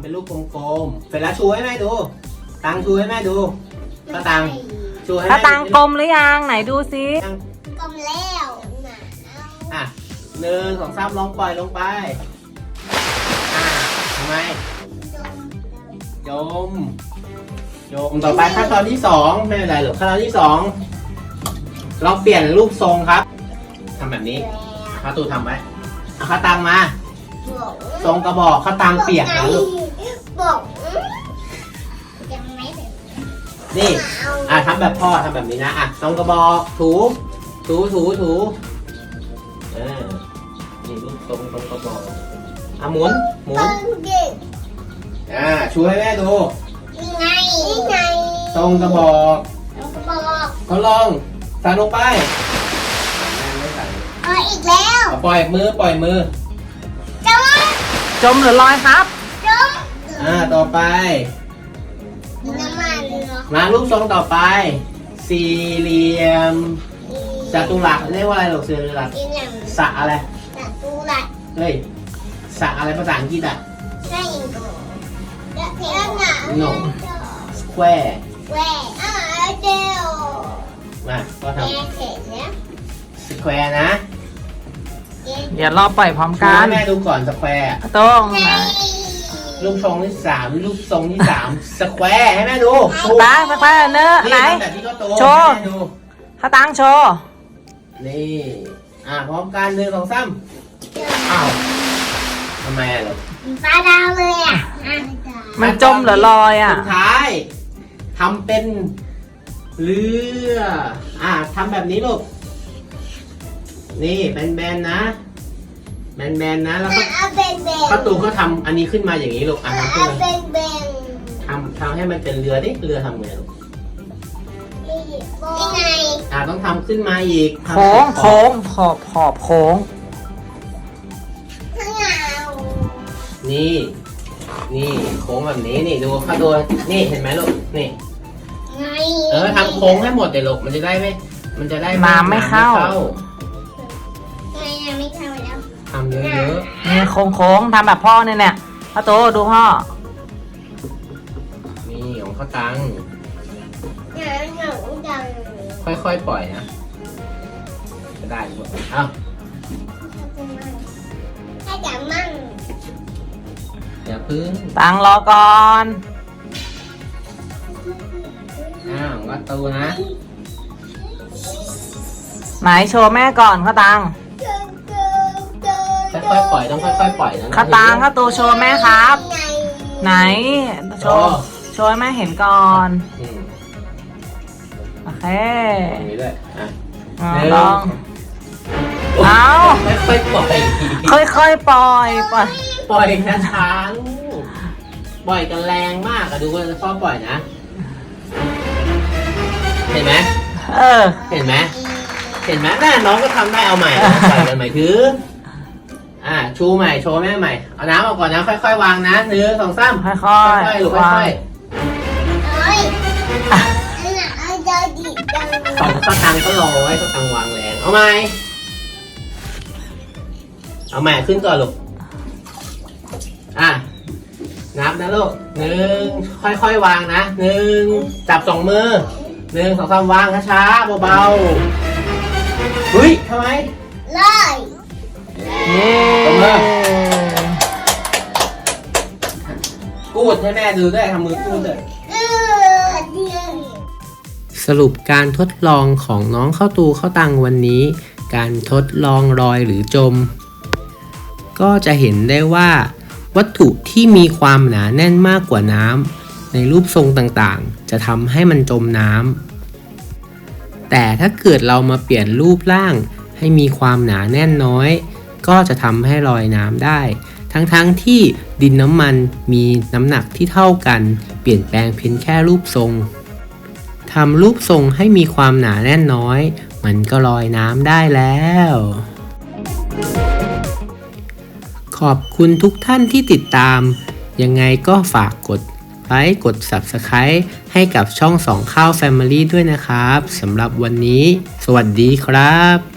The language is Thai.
ำเป็นลูกกลมๆเสร็จแล้วชูให้แม่ดูตังชูให้แม่ดูก็ตังชูให้ถ้าแม่ตังกลมหรือยังไหนดูซิกลมแล้วอ่ะ1 2 3ลองปล่อยลงไปทำไมจมต่อไปขั้นตอนที่2ไม่เป็นไรหรอกขั้นตอนที่2ลองเปลี่ยนรูปทรงครับทำแบบนี้ข้าตูทำไว้เอาข้าตังมาทรงกระบอกข้าตังเปียกนะลูกบอกยังไม่ถึงนี่ทำแบบพ่อทำแบบนี้นะทรงกระบอกถูนี่รูปทรงกระบอกหมุนชูให้แม่ดูนี่ไงทรงกระบอกบอกเขาลองใส่ลงไปอีกแล้วปล่อยมือจมหรือลอยครับต่อไปน้ำมันเหรอมารูปทรงต่อไป สี่เหลี่ยมจัตุรัสเรียกว่าอะไรหรอกสี่เหลี่ยมสระอะไรจัตุรัสเฮ้ยสระอะไรภาษาอังกฤษอ่ะใช่อินโดแล้วหนา No square แหวเดียวมาก็ทแกเสร็จแล้วำ square นะเดี๋ยวรอปล่อยพร้อมชูกัให้นแม่ดูก่อน square ตรงไงนะรูปทรงที่3รูปทรงที่3 square ให้แม่ดูตาสักแป๊บเนอะไหนทำแบบที่ก็โตโชว์ให้แม่ดูถ้าตังโชว์นี่พร้อมกัน1 2 3อ้าวทำไมอ่ะลูกปลาดาวเลยอ่ะมันจมหรือลอยอ่ะสุดท้ายทำเป็นเรือทำแบบนี้ลูกนี่แบนๆนะแบนๆนะแล้วก็เอาเป็นเบนประตูก็ทำอันนี้ขึ้นมาอย่างนี้ลูกทำขึ้นเอามาเป็นเบนทำให้มันเป็นเรือดิเรือทำไงลูกนี่ไงต้องทำขึ้นมาอีกทำโค้งขอบโค้งข้างหลังนี่โค้งแบบนี้นี่ดูเขาดูนี่เห็นไหมลูกนี่ไงทำโค้งให้หมดเลยลูกมันจะได้ไม่น้ำไม่เข้าไงยังไม่เข้าแล้วทำเยอะนี่โค้งทำแบบพ่อเนี่ยพ่อโตดูพ่อๆนี่ของเขาตังหนูจังค่อยๆปล่อยนะจะได้หรือเปล่าถ้าจะมั่งอย่าพึ่งตังรอก่อนวัดตูนะไหนโชว์แม่ก่อนข้าตังค่อยๆปล่อยต้องค่อยๆปล่อยนะข้าตังข้าตูโชว์แม่ครับไงไหนโชว์ให้แม่เห็นก่อน โอเคอย่างนี้ด้วยลองเอาค่อยๆปล่อยค่อยๆปล่อยปล่อยช้าๆลูกปล่อยกันแรงมากดูว่าพ่อปล่อยนะเห็นไหมเห็นไหมน่าน้องก็ทำได้เอาใหม่ปล่อยกันใหม่ถือชูใหม่โชว์แม่ใหม่เอาน้ำออกก่อนนะค่อยๆวางนะ1 2 3 ค่อยค่อยๆลูกค่อยเอ้ยอันน่ะเอาเจอดิจังๆสองข้าวตังก็รอไว้ข้าวตังวางแรงเอาใหม่ขึ้นก่อนลูกนับนะลูก1ค่อยๆวางนะ1จับ2มือ1 2 3วางช้าๆเบาๆเฮ้ยทำไมเลยเย้ตบมือ กูดให้แม่ดูด้วยทำมือกูดด้วยเดียวสรุปการทดลองของน้องเข้าตูเข้าตังวันนี้ การทดลองลอยหรือจม ก็จะเห็นได้ว่า วัตถุที่มีความหนาแน่นมากกว่าน้ำในรูปทรงต่างๆจะทำให้มันจมน้ำแต่ถ้าเกิดเรามาเปลี่ยนรูปร่างให้มีความหนาแน่นน้อย ก็จะทำให้ลอยน้ำได้ ทั้งที่ดินน้ำมันมีน้ำหนักที่เท่ากันเปลี่ยนแปลงเพียงแค่รูปทรงทำรูปทรงให้มีความหนาแน่นน้อยมันก็ลอยน้ำได้แล้ว ขอบคุณทุกท่านที่ติดตามยังไงก็ฝากกดไลค์กด Subscribe ให้กับช่อง2ข้าว Family ด้วยนะครับสำหรับวันนี้สวัสดีครับ